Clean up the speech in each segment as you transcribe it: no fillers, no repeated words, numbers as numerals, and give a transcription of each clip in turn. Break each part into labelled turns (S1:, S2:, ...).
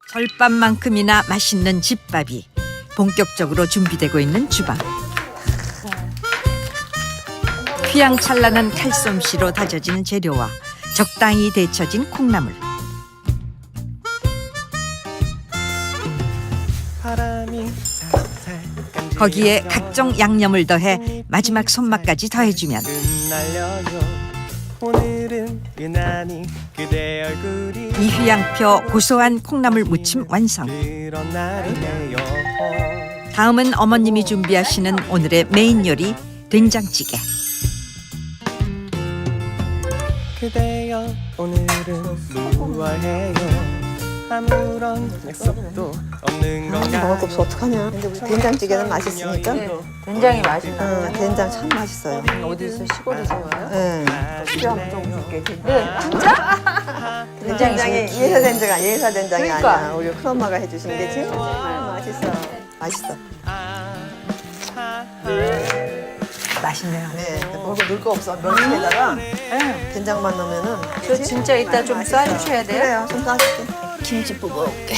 S1: 절밥만큼이나 맛있는 집밥이 본격적으로 준비되고 있는 주방. 휘황찬란한 칼솜씨로 다져진 재료와 적당히 데쳐진 콩나물. 거기에 각종 양념을 더해 마지막 손맛까지 더해주면 이휘양표 고소한 콩나물 무침 완성. 다음은 어머님이 준비하시는 오늘의 메인 요리 된장찌개.
S2: 그대여 오늘은 무얼해요? 아무런 약속도 없는
S3: 먹을 거
S2: 건가요?
S3: 없어 어떡하냐. 근데 우리 된장찌개는 맛있으니까.
S4: 된장이 맛있다.
S3: 응, 된장 참 맛있어요.
S4: 어디서 시골에서 와요?
S3: 응.
S4: 필요하면 좀 줄게. 네, 진짜?
S3: 된장이 예사 된장이 예사 된장이
S4: 그러니까.
S3: 아니야. 우리 큰엄마가 해주신 게 정말 맛있어. 맛있어.
S4: 맛있네요.
S3: 네. 먹을 거 넣을 거 없어. 멸치에다가 된장만 넣으면은.
S4: 저 진짜 이따 좀 싸주셔야 돼요?
S3: 그래요. 좀 싸줄게. 김치 뽑아올게.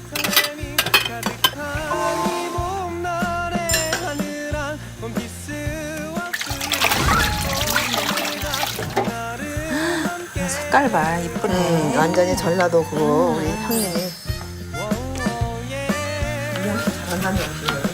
S4: 색깔 봐, 이쁘네.
S3: 완전히 전라도 그거 우리 형님이. 이양식 잘한다는 음식이에요.